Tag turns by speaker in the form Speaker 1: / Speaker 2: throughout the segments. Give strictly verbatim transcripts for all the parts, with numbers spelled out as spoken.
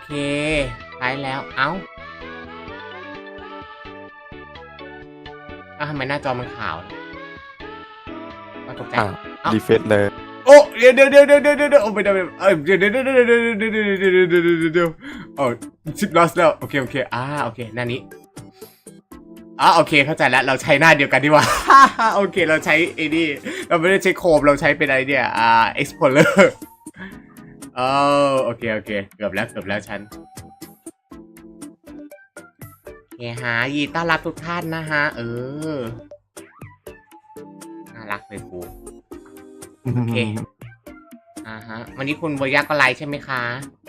Speaker 1: เคไลฟ์แล้วเอ้าอ้าวทำไมหน้าจอมันขาวก็ตกใจ
Speaker 2: อ่า
Speaker 1: เอ้า
Speaker 2: รีเฟซเลย
Speaker 1: โอ้เดี๋ยวเดี๋ยวเดี๋ยวเดี๋ยวเดี๋ยวเดี๋ยวโอ้ไม่ได้ไม่ได้เออเดี๋ยวเดี๋ยวเดี๋ยวเดี๋ยวเดี๋ยวเดี๋ยวเดี๋ยวเดี๋ยวเดี๋ยวเดี๋ยวเดี๋ยวเดี๋ยวโอ้ชิปลอสแล้วโอเคโอเคอ่าโอเคหน้านี้อ่าโอเคเข้าใจแล้วเราใช้หน้าเดียวกันดีกว่า โอเคเราใช้ไอ้นี่เราไม่ได้ใช้โคมเราใช้เป็นอะไรเนี่ยอ่า Explorer เออโอเคโอเคเกือบแล้วเกือบแล้วฉันโอเคฮะยินดีต้อนรับทุกท่านนะฮะเออน่ารักเลยกูโอเคอ่าฮะวันนี้คุณโบยาก็ไลฟ์ใช่ไหมคะ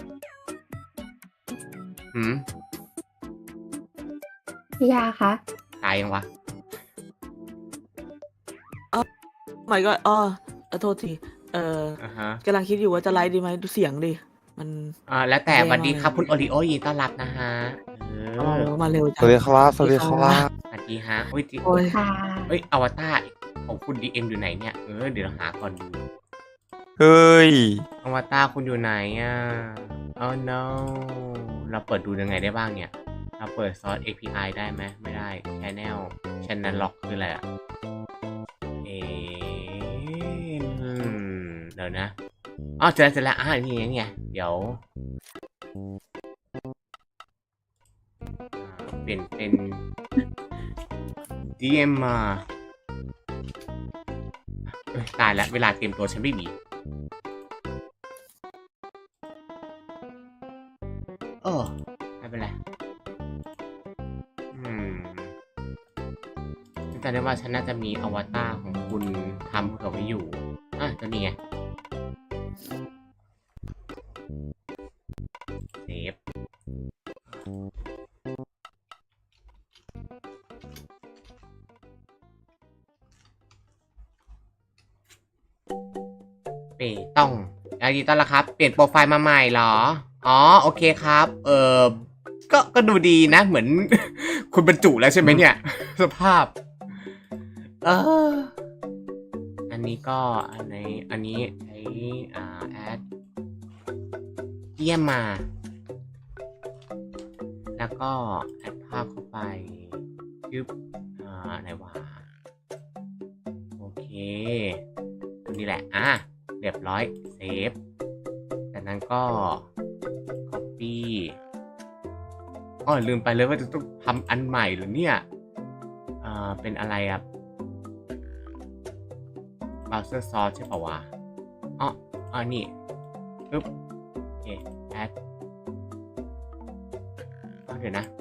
Speaker 1: หืม
Speaker 3: พี่ยาคะ
Speaker 1: ตายยังวะ
Speaker 4: หมายก็อ๋อเออโทษที เออ
Speaker 1: อ่าฮะ
Speaker 4: กำลังคิดอยู่ว่าจะไลฟ์ดีไหมดูเสียงดิ มัน
Speaker 1: อ่าแล้วแต่
Speaker 4: แย่
Speaker 1: สวัสดีครับ
Speaker 4: มากเลย
Speaker 1: คุณโอริโอยินดีต้อนรับนะฮะเอ
Speaker 4: เอา
Speaker 1: อ
Speaker 4: มาเร็ว
Speaker 2: ส
Speaker 4: จัง
Speaker 2: วัสดีครับสวัสดีครับ
Speaker 1: สวัสดีฮะโอ้ยจิ
Speaker 4: โอ้ย
Speaker 3: ค่ะ
Speaker 1: เอ้ยอวตารของคุณดีเอ็มอยู่ไหนเนี่ยเออเดี๋ยวเราหาก่อนดู
Speaker 2: เฮ้ย
Speaker 1: อวตารคุณอยู่ไหนอ่ะ oh no เราเปิดดูยังไงได้บ้างเนี่ยเราเปิดซอส เอ พี ไอ ได้ไหมไม่ได้ channel channel lock คืออะไรอ่ะเอออืมเดี๋ยวนะอ๋อเจอแล้วเจอแล้วอ่านี่ไงนี่ไงเดี๋ยวอ่าเปลี่ยนเป็น ดี เอ็ม มาเอ้ยตายแล้วเวลาเตรียมตัวฉันไม่มีเออไม่เป็นไรอืมฉันจำได้ว่าฉันน่าจะมีอวตารของคุณทำเผื่อไว้อยู่อ่ะตัวนี้ไงเซฟเปต้องยินดีต้อนรับครับ เปลี่ยนโปรไฟล์มาใหม่เหรอ อ๋อ โอเคครับ เออก็ ก็ดูดีนะ เหมือน คุณบรรจุแล้วใช่ไหมเนี่ย สภาพ เออ อันนี้ก็ อันไหน อันนี้ใช้ อ่า แอดเยี่ยมมา แล้วก็ แอดภาพเข้าไปยึบอ่า ไหนวะ โอเคตัวนี้แหละ อ่ะ เรียบร้อย เซฟ จากนั้นก็ copy อ๋อลืมไปเลยว่าจะต้องทำอันใหม่เหรอเนี่ยอ่าเป็นอะไรอ่ะ browser source ใช่ป่าวะอ๋ออ๋อนี่ปึ๊บโอเค add อ๋อเดี๋ยวนะ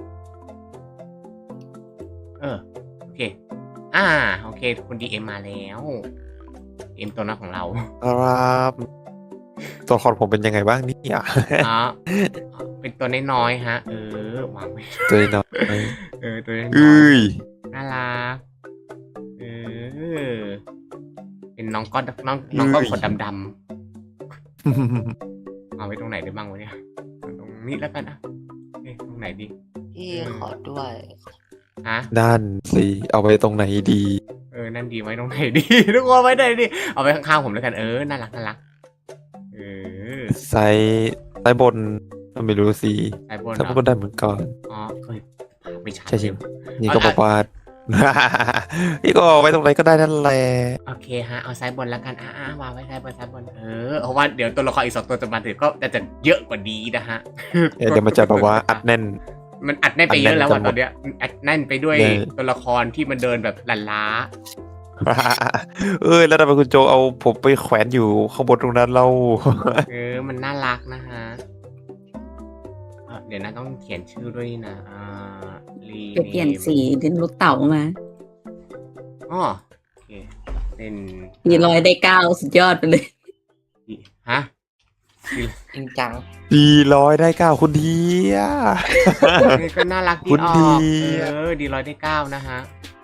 Speaker 1: เออ โอเค อ่า โอเค คุณ ดี เอ็ม มาแล้ว เอ็มตัวน้อยของเรา
Speaker 2: ครับตัวละครผมเป็นยังไงบ้างเนี่ย
Speaker 1: อ๋อ เป็นตัวน้อยๆฮะ เออ วางไว้
Speaker 2: ตัวน้อย
Speaker 1: เออ ตัวน้อย
Speaker 2: เอ้ย
Speaker 1: ๆน่ารัก เออ เป็นน้องก้อนน้องน้องก้อนขนดำๆเอาไว้ตรงไหนได้บ้างวะเนี่ย ตรงนี้แล้วกันอ่ะเอ๊ะตรงไหนดี
Speaker 5: พี่ขอด้วย
Speaker 1: ฮะ
Speaker 2: นั่นสิเอาไปตรงไหนดี
Speaker 1: เออ นั่นดีไว้ตรงไหนดี ทุกคนไว้ไหนดี เอาไว้ข้างๆผมแล้วกัน เออ น่ารักน่ารัก เออ
Speaker 2: ไซส์ไซส์บนไม่รู้สิ
Speaker 1: ไอ้บน
Speaker 2: ไซ
Speaker 1: เห
Speaker 2: ส์
Speaker 1: ร
Speaker 2: บ
Speaker 1: อน
Speaker 2: ได้เหมือนกัน
Speaker 1: อ๋อเคยไม่ชัด
Speaker 2: ใช่ใช่
Speaker 1: เลย
Speaker 2: นี่ก็บอกว่า นี่ก็เอาไว้ตรงไหนก็ได้นั่นแหละ
Speaker 1: โอเคฮะ เอาซ้ายบนแล้วกัน อ่าวางไว้ซ้ายบนซ้ายบน เออ เพราะว่าเดี๋ยวตัวละครอีกสองตัวจะมาถึงก็จะเยอะกว่านี้นะฮะ
Speaker 2: เดี๋ยวมันจะแบบว่าอัดแน่น
Speaker 1: มันอัดแน่นไปเยอะแล้ว
Speaker 2: อั
Speaker 1: อ่ะ
Speaker 2: ดแน่น
Speaker 1: ตอนเนี้ยมันอัดแน่นไปด้วย
Speaker 2: แน่
Speaker 1: ตัวละครที่มันเดินแบบลันล้า
Speaker 2: เอ้ยแล้วทำไมคุณโจเอาผมไปแขวนอยู่ข้างบนตรงนั้นเรา
Speaker 1: เออ มันน่ารักนะฮะอ่ะเดี๋ยวนะต้องเขียนชื่อด้วยนะ อ่ารี
Speaker 3: เดี๋ยวเปลี่ยนสีดินลูกเต่ามา
Speaker 1: อ๋อโอเค เป็น
Speaker 3: มีรอยได้เก้าสุดยอดไปเลย
Speaker 1: ฮะ
Speaker 5: จริงจัง
Speaker 2: ดีร้อยได้เก้าคุณดีอะ
Speaker 1: นี่ก็น่ารักดี
Speaker 2: คุณ
Speaker 1: ออ
Speaker 2: ดี
Speaker 1: กเออ ดีร้อยได้เก้านะฮะ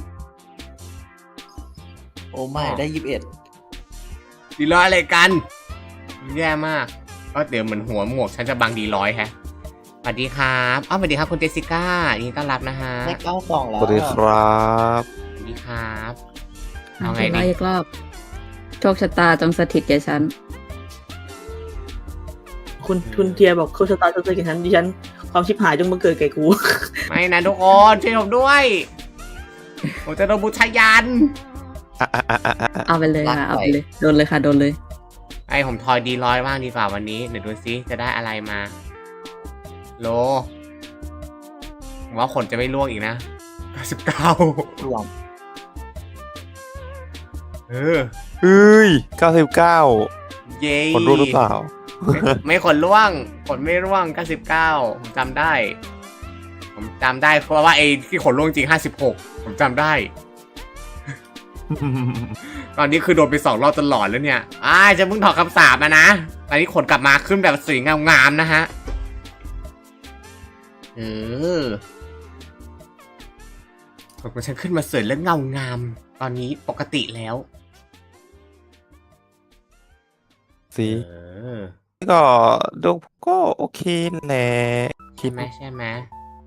Speaker 5: โอ้ไม่ได้ยี่สิบเอ็ด
Speaker 1: ดีร้อยอะไรกัน แย่มากก็เดี๋ยวเหมือนหัวหมวกฉันจะบังดีร้อยแฮะสวัสดีครับอ้าวสวัสดีครับคุณเจสสิก้ายินดีต้อนรับนะฮะ
Speaker 5: ได้เก้าสองแล้
Speaker 2: ส
Speaker 5: ว
Speaker 2: วัสดีครับ
Speaker 1: สวัสดีครับ
Speaker 3: เอา
Speaker 1: เอาไง
Speaker 3: ไง
Speaker 1: ดี
Speaker 3: อีกรอบ โชคชะตาจงสถิตแก่ฉัน
Speaker 2: ค
Speaker 4: คุณคุณเทียบอกโชคชะตาจะเจอกับฉันดิฉันความชิบหายจงมาเกิดแก่กู
Speaker 1: ไม่นะทุกคนช่วยผมด้วย ผมจะโดนบูชายัน
Speaker 2: อ่ะอ่ะอ่ะอ่ะอ่ะ
Speaker 3: เอาไปเลยค่ะเอาไปเลยโดนเลยค่ะโดนเลย
Speaker 1: ไอผมทอยดีร้อยบ้างดีกว่าวันนี้เดี๋ยวดูซิจะได้อะไรมา โลผมว่าขนจะไม่ร่วงอีกนะเก้าสิบเก้าร
Speaker 5: วม
Speaker 1: เออ
Speaker 2: เฮ้ยเก้าสิบเก้า
Speaker 1: เย้
Speaker 2: คนรู้หรือเปล่า
Speaker 1: ไม่ไม่ขนร่วงขนไม่ร่วงเก้าสิบเก้าผมจำได้ ผมจำได้เพราะว่าไอ้ที่ขนร่วงจริงห้าสิบหกผมจำได้ ตอนนี้คือโดนไปสองรอบจนหลอนแล้วเนี่ยอ่าจะมึงถอดคำสาปมานะ ตอนนี้ขนกลับมาขึ้นแบบสวยงามๆนะฮะ เออขนของฉันขึ้นมาสวยและเงางาม ตอนนี้ปกติแล้ว
Speaker 2: สิ
Speaker 1: เออ
Speaker 2: ก็ดวงผมก็โอเคแหละคิ
Speaker 1: ใช่
Speaker 2: ด
Speaker 1: ไหมใช่ไหม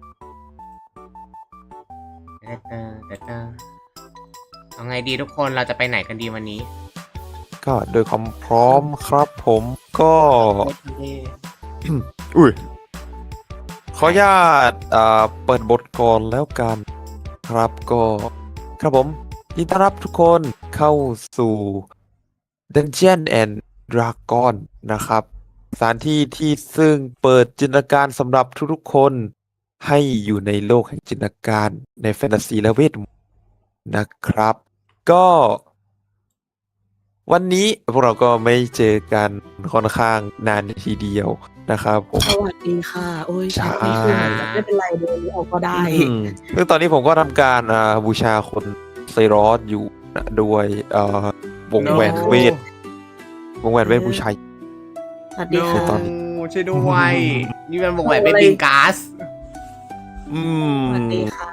Speaker 1: เตอเตอเตอเตอเอาไงดีทุกคนเราจะไปไหนกันดีวันนี้
Speaker 2: ก็โดยความพร้อมครับผมก็
Speaker 5: เย่
Speaker 2: อุ้ยขออนุญาตอ่าเปิดบทก่อนแล้วกัน ครับก็ครับผมยินดีต้อนรับทุกคนเข้าสู่ Dungeon and Dragon นะครับสถานที่ที่ซึ่งเปิดจินตนาการสำหรับทุกๆคนให้อยู่ในโลกแห่งจินตนาการในแฟนตาซีและเวทมนต์นะครับ ก็วันนี้พวกเราก็ไม่เจอกันค่อนข้างนานทีเดียวนะครับผม
Speaker 4: สวัสดีค่ะ โอ้ย
Speaker 2: ใช่
Speaker 4: ไม่คือไม่เป็นไรเดินออกก็ได้
Speaker 2: อืมซึ่งตอนนี้ผมก็ทำการอ่าบูชาคนไซรอสอยู่นะด้วยเอ่อวงแหวนเวท วงแหวนเวทบูชา
Speaker 4: สวัสดีค่ะ
Speaker 2: ตอนนี้
Speaker 1: ช่วยด้วยนี่มันวงแหวนเป็นบิงก๊าซ
Speaker 2: อืม
Speaker 4: สวัสดีค่ะ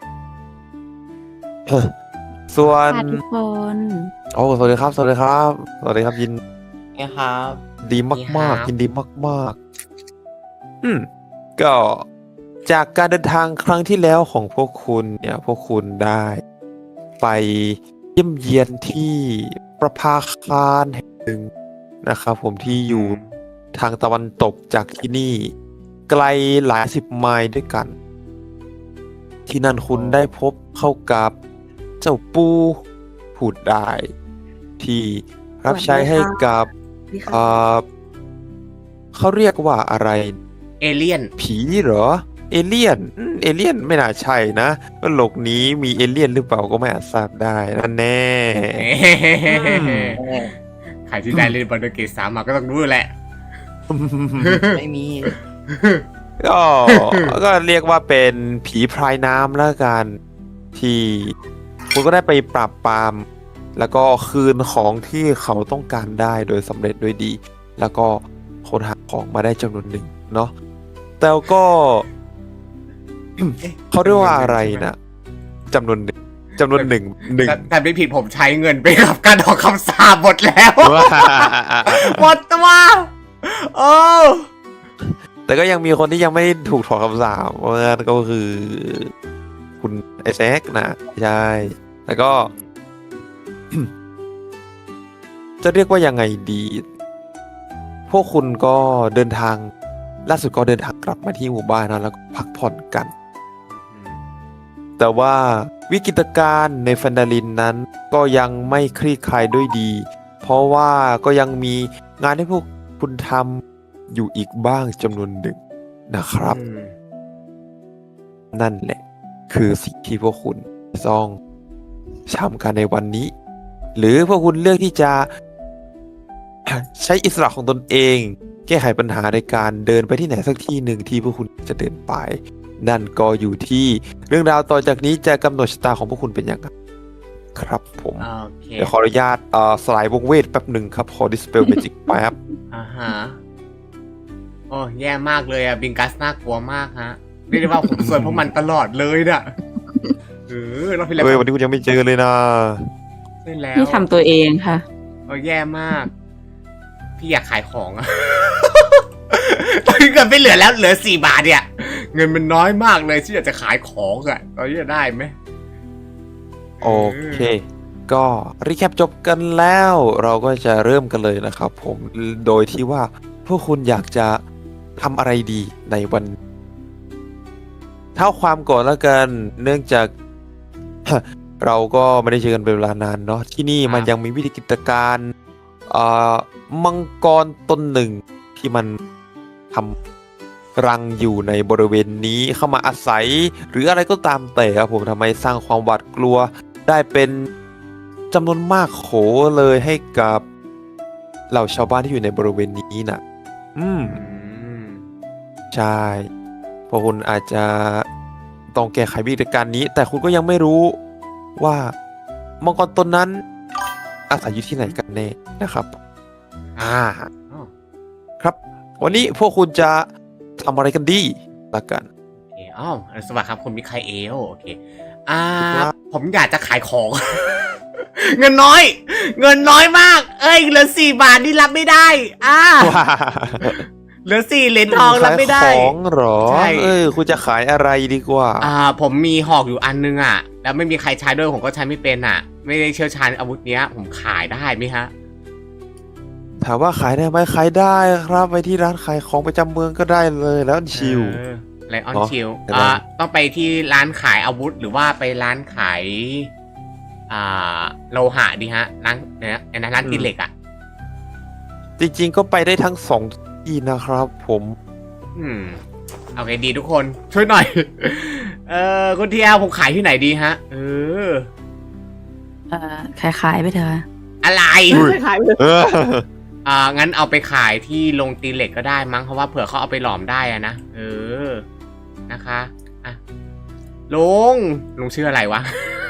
Speaker 2: เอ่อส่วน
Speaker 3: ค่ะทุกคน
Speaker 2: โอ้สวัสดีครับ สวัสดีครับ สวัสดีครับ ยิน
Speaker 5: ไงครับ
Speaker 2: ดีมากๆยินดีมากๆ อืม ก็จากการเดินทางครั้งที่แล้วของพวกคุณเนี่ย พวกคุณได้ไปเยี่ยมเยียนที่ประภาคารแห่งหนึ่งนะครับผมที่อยู่ทางตะวันตกจากที่นี่ ไกลหลายสิบไมล์ด้วยกัน ที่นั่นคุณได้พบเข้ากับเจ้าปูพูดได้ ที่รับใช้ให้กับ
Speaker 4: สวัสดีค่ะ
Speaker 2: เอ่อเขาเรียกว่าอะไร
Speaker 1: เอเลี่ยน
Speaker 2: ผีเหรอ เอเลี่ยนอืมเอเลี่ยนไม่น่าใช่นะว่าโลกนี้มีเอเลี่ยนหรือเปล่าก็ไม่อาจทราบได้นั่นแน่
Speaker 1: ใครที่ได้เล่นบอลเกตสามมาก็ต้องรู้แหละ
Speaker 5: ไม่มี
Speaker 2: ก็ ก็เรียกว่าเป็นผีพรายน้ำแล้วกัน ที่คุณก็ได้ไปปราบปราม แล้วก็คืนของที่เขาต้องการได้โดยสำเร็จด้วยดี แล้วก็ค้นหาของมาได้จำนวนหนึ่งเนาะแต่ก็ เขาเรียกว่าอะไรนะจำนวนหนึ่งจำนวนหนึ่งหนึ่ง
Speaker 1: แต่แต่ไม่ผิดผมใช้เงินไปกับการออกคำสาปหมดแล้ว หมดตัวโอ้
Speaker 2: แต่ก็ยังมีคนที่ยังไม่ถูกถอดคำสาปนั่นก็คือ คุณไอแซคนะใช่แล้วก็ จะเรียกว่ายังไงดี พวกคุณก็เดินทางล่าสุดก็เดินทางกลับมาที่หมู่บ้านนะแล้วก็พักผ่อนกัน แต่ว่าวิกฤตการณ์ในแฟนดาลินนั้นก็ยังไม่คลี่คลายด้วยดี เพราะว่าก็ยังมีงานให้พวกคุณทำอยู่อีกบ้างจำนวนหนึ่งนะครับ นั่นแหละ คือสิ่งที่พวกคุณต้องทำกันในวันนี้ หรือพวกคุณเลือกที่จะ ใช้อิสระของตนเอง แก้ไขปัญหาในการเดินไปที่ไหนสักที่หนึ่งที่พวกคุณจะเดินไป นั่นก็อยู่ที่เรื่องราวต่อจากนี้จะกำหนดชะตาของพวกคุณเป็นอย่างไรครับผม
Speaker 1: โอเค
Speaker 2: เดี๋ยวขออนุญาตเอ่อสลายวงเวทแป๊บหนึ่งครับ ขอ dispel magic แป๊บ
Speaker 1: อ่าฮะโอ้แย่มากเลยอะบิงกัสน่ากลัวมากฮะเรียกได้ว่าผมสวนพวกมันตลอดเลยน่ะเออเราพี่แล้ว
Speaker 2: เฮ้ยวันนี้คุณยังไม่เจอเลยนะ
Speaker 1: ใช่แล้ว
Speaker 3: นี่ทำตัวเองค่ะ
Speaker 1: โอ้แย่มาก พี่อยากขายของอะ ตอนนี้เงินไม่เหลือแล้วเหลือสี่บาทเนี่ย เงินมันน้อยมากเลยที่อยากจะขายของอะตอนนี้จะได้ไหม
Speaker 2: โอเค ก็รีแคปจบกันแล้ว เราก็จะเริ่มกันเลยนะครับผม โดยที่ว่าพวกคุณอยากจะทำอะไรดีในวันเท่าความก่อนแล้วกัน เนื่องจาก เราก็ไม่ได้เจอกันเป็นเวลานานเนาะที่นี่มันยังมีวิธีกิจการเอ่อมังกรตนหนึ่งที่มันทำรังอยู่ในบริเวณนี้เข้ามาอาศัย หรืออะไรก็ตามแต่ครับผมทำไมสร้างความหวาดกลัวได้เป็นจำนวนมากโขเลยให้กับเหล่าชาวบ้านที่อยู่ในบริเวณนี้น่ะ อืม
Speaker 1: อืม
Speaker 2: ใช่เพราะคุณอาจจะต้องแก้ไขวิธีการนี้ แต่คุณก็ยังไม่รู้ว่ามังกรตนนั้นอาศัยอยู่ที่ไหนกันแน่นะครับ อ่า
Speaker 1: อ๋อ
Speaker 2: ครับ วันนี้พวกคุณจะทำอะไรกันดีละกัน
Speaker 1: โอเคอ๋อสวัสดีครับคุณมิคาเอลโอเค อ่า
Speaker 2: ครับ
Speaker 1: ผมอยากจะขายของ เงินน้อย เงินน้อยมาก เอ้ยเหลือสี่บาทนี่รับไม่ได้ อ่า
Speaker 2: ว้า
Speaker 1: เหลือสี่เหรียญทองรับไม่ได้
Speaker 2: ขายของเหรอ
Speaker 1: ใช่
Speaker 2: เออคุณจะขายอะไรดีกว่า
Speaker 1: อ่า ผมมีหอกอยู่อันนึงอ่ะ แล้วไม่มีใครใช้ด้วยผมก็ใช้ไม่เป็นอ่ะ ไม่ได้เชี่ยวชาญอาวุธเนี้ย ผมขายได้ไหมฮะ
Speaker 2: ถามว่าขายได้ไหมขายได้ครับไปที่ร้านขายของประจำเมืองก็ได้เลยแล้วชิล
Speaker 1: ไลออน
Speaker 2: เนอะ
Speaker 1: ชิล
Speaker 2: แต่
Speaker 1: อ่า
Speaker 2: ว่า
Speaker 1: ต้องไปที่ร้านขายอาวุธหรือว่าไปร้านขาย อ่า โลหะดีฮะ ร้านเนี่ยนะร้านตีเหล็กอ่ะ
Speaker 2: จริงๆก็ไปได้ทั้งสองที่นะครับ ผม
Speaker 1: อืมโอเคดีทุกคนช่วยหน่อย เออคุณเทียผมขายที่ไหนดีฮะ เออ
Speaker 3: เอ่อขายขายๆไปเถอะ
Speaker 1: อะไร
Speaker 2: อุ้ย
Speaker 4: ขายไปเลย
Speaker 2: เออ
Speaker 1: อ่างั้นเอาไปขายที่โรงตีเหล็กก็ได้มั้งเพราะว่าเผื่อเขาเอาไปหลอมได้อะนะเออนะคะอ่ะลุงลุงชื่ออะไรวะ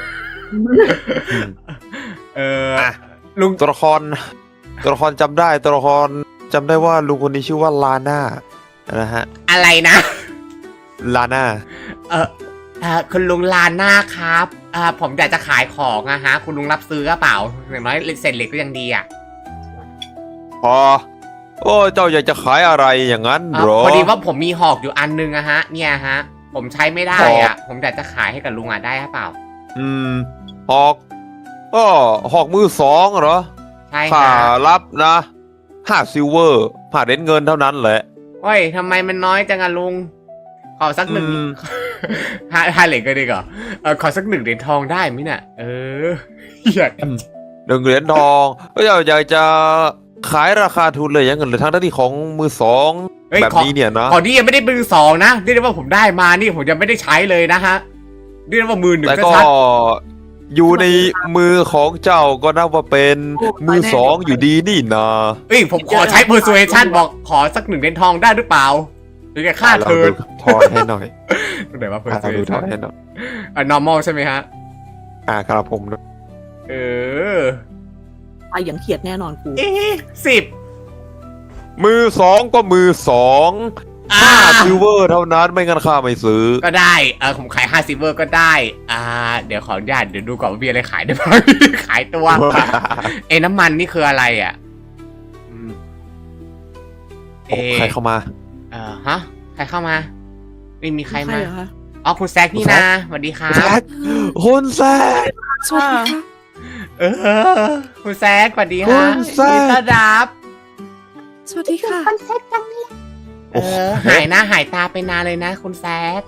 Speaker 1: เออ
Speaker 2: อ่ะ
Speaker 1: ลุง
Speaker 2: ตัวละครตัวละครจำได้ตัวละครจำได้ว่าลุงคนนี้ชื่อว่าลาน่านะฮะ
Speaker 1: อะไรนะ
Speaker 2: ลาน่า
Speaker 1: เออเออคุณลุงลาน่าครับอ่าผมอยากจะขายของอะฮะ คุณลุงรับซื้อหรือเปล่าอย่างน้อยเศษเหล็กก็ยังดีอะ
Speaker 2: พอโอ้เจ้าอยากจะขายอะไรอย่างนั้น
Speaker 1: อ่า
Speaker 2: เหรอ
Speaker 1: พอดีว่าผมมีหอกอยู่อันนึงอะฮะ เนี่ยฮะ ผมใช้ไม่ได้
Speaker 2: หอ
Speaker 1: อะ
Speaker 2: ก
Speaker 1: ผมอยากจะขายให้กับลุงอะได้หรือเปล่า
Speaker 2: อืมหอกก็หอกมือสองเหรอ
Speaker 1: ใช่
Speaker 2: ค่า
Speaker 1: ฮะ
Speaker 2: รับนะห้าซิลเวอร์ห้าเหรียญเงินเท่านั้นแหละ
Speaker 1: โอ้ยทำไมมันน้อยจังอะลุง ขอสักหนึ่ง
Speaker 2: อืม
Speaker 1: ห้าห้าเหรียญก็ดีกว่าเออขอสักหนึ่งเหรียญทองได้ไหมเนี่ยเอออยาก
Speaker 2: หนึ่งเหรียญทองก็อยากอยากจะขายราคาทุนเลยอย่างเงินหรือทั้งด้านที่ของมือสอง
Speaker 1: เฮ้ย
Speaker 2: แบบ
Speaker 1: ขอ
Speaker 2: นี้เนี่ยนะ
Speaker 1: ขอที่ยังไม่ได้มือสองนะเรียกได้ว่าผมได้มานี่ผมยังไม่ได้ใช้เลยนะฮะเรียกได้ว่ามือหนึ่ง
Speaker 2: แต่
Speaker 1: ก็
Speaker 2: ก็
Speaker 1: ชัด
Speaker 2: อยู่ในมือของเจ้าก็นับว่าเป็นมือสองอยู่ดีนี่นะ
Speaker 1: เอ้ยผมขอใช้ persuasion บอกขอสักหนึ่งเหรียญทองได้หรือเปล่าหรือแกค่า
Speaker 2: เรา
Speaker 1: เทิร์น
Speaker 2: ดูทอนให้หน่อย
Speaker 1: ตรงไหนว่า
Speaker 2: อ่าเราดูทอน
Speaker 1: persuasion
Speaker 2: ให้หน่อย
Speaker 1: อ่า normal ใช่ไหมฮะ
Speaker 2: อ่าครับผม
Speaker 1: เออ
Speaker 4: ไปอย่างเขียดแน่นอนกู
Speaker 1: เอ๊ะสิบ
Speaker 2: มือสองก็มือสอง
Speaker 1: อ่า
Speaker 2: ห้าซิลเวอร์เท่านั้นไม่งั้นข้าไม่ซื้อ
Speaker 1: ก็ได้เออผมขายห้าซิเวอร์ก็ได้ อ่า เดี๋ยวขออนุญาตเดี๋ยวดูก่อนว่ามีอะไรขายได้บ้าง ขายตัว เอ้น้ำมันนี่คืออะไรอ่ะอืม
Speaker 2: โอ้ใครเข้ามา
Speaker 1: เออฮะ ใครเข้ามา ไม่มีใคร
Speaker 4: ใคร
Speaker 1: มา
Speaker 4: เหรอคะ
Speaker 1: อ๋อคุณแซกนี่
Speaker 2: คุณแซ
Speaker 1: นะ
Speaker 2: ค
Speaker 1: สวัสดีครั
Speaker 2: แซ
Speaker 1: บ
Speaker 2: กคุณแซก
Speaker 4: สวัสดีค่ะ
Speaker 1: เออ คุณแซกสวัสดี
Speaker 2: คุ
Speaker 1: ฮะ
Speaker 2: ณแซค
Speaker 1: ยินดีต้อนรับ
Speaker 4: สวัสดีค่ะ
Speaker 1: เออ หายหน้าหายตาไปนานเลยนะ คุณแซก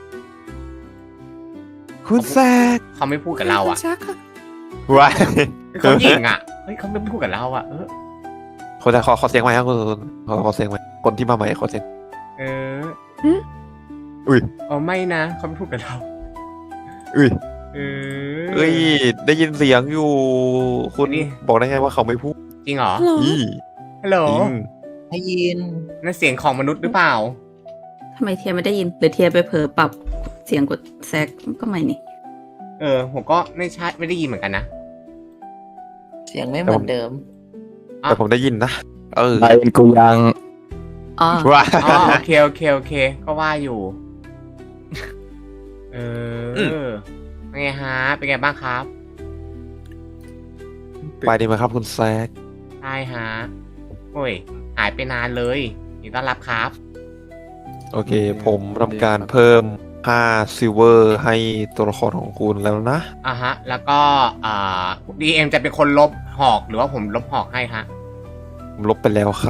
Speaker 2: คุณแซก
Speaker 1: เขาไม่พูดกับเราอ่ะ
Speaker 4: คุณแซคค่ะ
Speaker 2: ว้าย
Speaker 1: เขาหยิงอ่ะ เฮ้ยเขาไม่พูดกับเราอ่ะ เออ
Speaker 2: คนจะขอขอเสียงไหมครับคุณขอขอเสียงไหมคนที่มาใหม่ขอเสียง
Speaker 1: เออ
Speaker 2: อุ้ย
Speaker 1: อ๋อไม่นะเขาไม่พูดกับเรา
Speaker 2: อุ้ย
Speaker 1: เออ
Speaker 2: เอ้ยได้ยินเสียงอยู่ คุณ
Speaker 1: นี่
Speaker 2: บอกได้ไงว่าเขาไม่พูด
Speaker 1: จริงเหรอ
Speaker 4: ฮัลโหล
Speaker 2: อี
Speaker 1: ฮัลโหล
Speaker 2: จริง
Speaker 5: ได้ยิน
Speaker 1: นั่นเสียงของมนุษย์หรือเปล่า
Speaker 3: ทำไมเทียไม่ได้ยินหรือเทียไปเผลอปรับเสียงกดแซกก็ไม่นี่
Speaker 1: เออ ผมก็ไม่ใช่ไม่ได้ยินเหมือนกันนะ
Speaker 5: เสียงไม่เหมือนเดิม
Speaker 2: แต่ผมได้ยินนะเออ
Speaker 6: ไอ้กูยัง
Speaker 3: อ๋อ
Speaker 2: ว้า
Speaker 1: อ๋อโอเคโอเคโอเค ก็ว่าอยู่ เอออ
Speaker 2: ม
Speaker 1: เป็นไงฮะ เป็นไงบ้างครับ
Speaker 2: ไปดีไหมครับคุณแซก
Speaker 1: ใช่ฮะ โอ้ย หายไปนานเลยยินดีต้อนรับครับ
Speaker 2: โอเค ผมทำการเพิ่มห้าซิลเวอร์ให้ตัวละครของคุณแล้วนะ
Speaker 1: อ่ะฮะ แล้วก็อ่าดีเอ็มจะเป็นคนลบหอกหรือว่าผมลบหอกให้ฮะ
Speaker 2: ผมลบไปแล้วครับ
Speaker 1: อ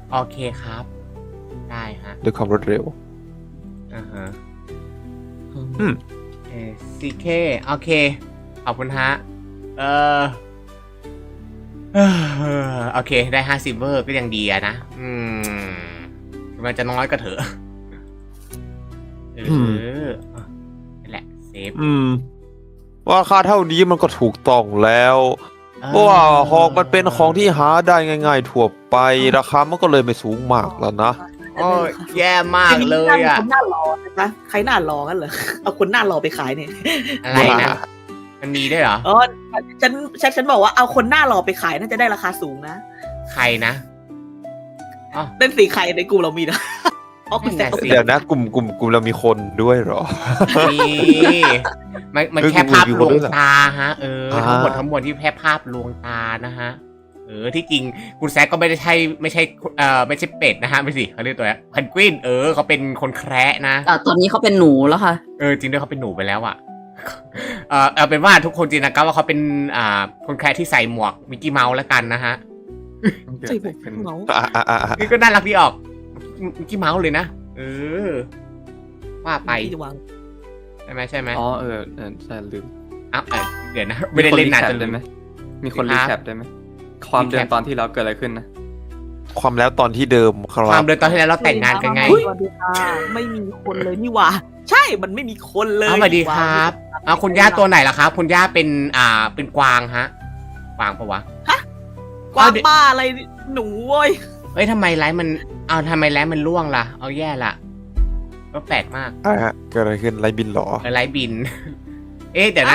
Speaker 1: โอเคครับ ได้ฮะ
Speaker 2: ด้วยความรวดเร็ว
Speaker 1: อ่าฮะ
Speaker 2: อืม
Speaker 1: เอซีเคโอเค ขอบคุณฮะ เออเอ่อโอเค ได้ห้าซิลเวอร์ก็ยังดีอะนะ อืมมันจะน้อยก็เถอะ เอออ่ะนั่นแหละ เซฟ
Speaker 2: อืม ว่าค่าเท่านี้มันก็ถูกต้องแล้ว
Speaker 1: เออ
Speaker 2: เพราะว่าหอกมันเป็นของที่หาได้ง่ายๆทั่วไป ราคามันก็เลยไม่สูงมากแล้วนะ
Speaker 1: โอ้ยแย่มากเลยอ่ะ
Speaker 4: คนหน้ารอนะคะใครหน้ารอกันเหรอ เอาคนหน้ารอไปขายเนี่ย
Speaker 1: อะไรนะ มันมีด้วยเหรอ
Speaker 4: อ๋อฉันฉันฉันบอกว่าเอาคนหน้ารอไปขายน่าจะได้ราคาสูงนะ
Speaker 1: ใครนะอ๋อ
Speaker 4: เล่นสีใครในกลุ่มเรามีนะอ๋อคุณแซ
Speaker 1: นั่
Speaker 4: คน
Speaker 1: น่ะสิ
Speaker 2: เดี๋ยวนะกลุ่มกลุ่มกลุ่มเรามีคนด้วยเหรอ
Speaker 1: นี่มันมัน
Speaker 2: เอ้ย
Speaker 1: แค่ภาพ
Speaker 2: กู
Speaker 1: ล
Speaker 2: กู
Speaker 1: วง
Speaker 2: ด้วยเหรอ
Speaker 1: ตาฮะ เออ
Speaker 2: อ่า
Speaker 1: ทั้งหมดทั้งมวลที่แค่ภาพลวงตานะฮะ เออ ที่จริงคุณแซคก็ไม่ได้ใช่ไม่ใช่เอ่อไม่ใช่เป็ดนะฮะไม่สิเขาเรียกตัวเพนกวินเออเขาเป็นคนแคระนะ
Speaker 3: อ่ะตอนนี้เขาเป็นหนูแล้วค่ะ
Speaker 1: เออจริงด้วยเขาเป็นหนูไปแล้วอ่ะ เออเอาเป็นว่าทุกคนจินตนาการว่าเขาเป็นอ่าคนแคระที่ใส่หมวกมิกกี้เมาส์แล้วกันนะฮะ
Speaker 4: ใส่หมวกเป็นเงา
Speaker 2: อ่ะอ่ะอ่ะอ่ะ
Speaker 1: นี่ก็น่ารักดีออกมิกกี้เมาส์เลยนะ เออ ว่าไป
Speaker 4: ที่จะวาง
Speaker 1: ใช่ไหมใช่ไหม
Speaker 6: อ๋อเออเออใช่ลืม
Speaker 1: อ้าวเอ้ยเดี๋ยวนะ ไม่ได้เล่นนานจน
Speaker 6: ได้ไหมมีคน
Speaker 1: ครั
Speaker 6: รี
Speaker 1: บ
Speaker 6: แคปได้ไหมความเดิม
Speaker 1: recap
Speaker 6: ตอนที่เราเกิดอะไรขึ้นนะ
Speaker 2: ความแล้วตอนที่เดิมครั
Speaker 1: ความ
Speaker 2: บ
Speaker 1: เดินตอนที่แล้วเราแต่งงานกันไง
Speaker 4: สวัสดีค่ะไม่มีคนเลยนี่หว่า ใช่มันไม่มีคนเลย
Speaker 1: เอาสวัสดีครับเอาคุณย่าตัวไหนล่ะครับ คุณย่าเป็นอ่าเป็นกวางฮะ กวางปะวะ
Speaker 4: กวางบ้าอะไรหนูเว้ย
Speaker 1: เอ้ยทำไมไลฟ์มันเอาทำไมไลฟ์มันล่วงล่ะ เอาแย่ละก็แปลกมาก
Speaker 2: อ่ะฮะเกิดอะไรขึ้นไรบินเหรอ
Speaker 1: เออไลฟ์บิน เอ๊ะเดี๋ยวนะ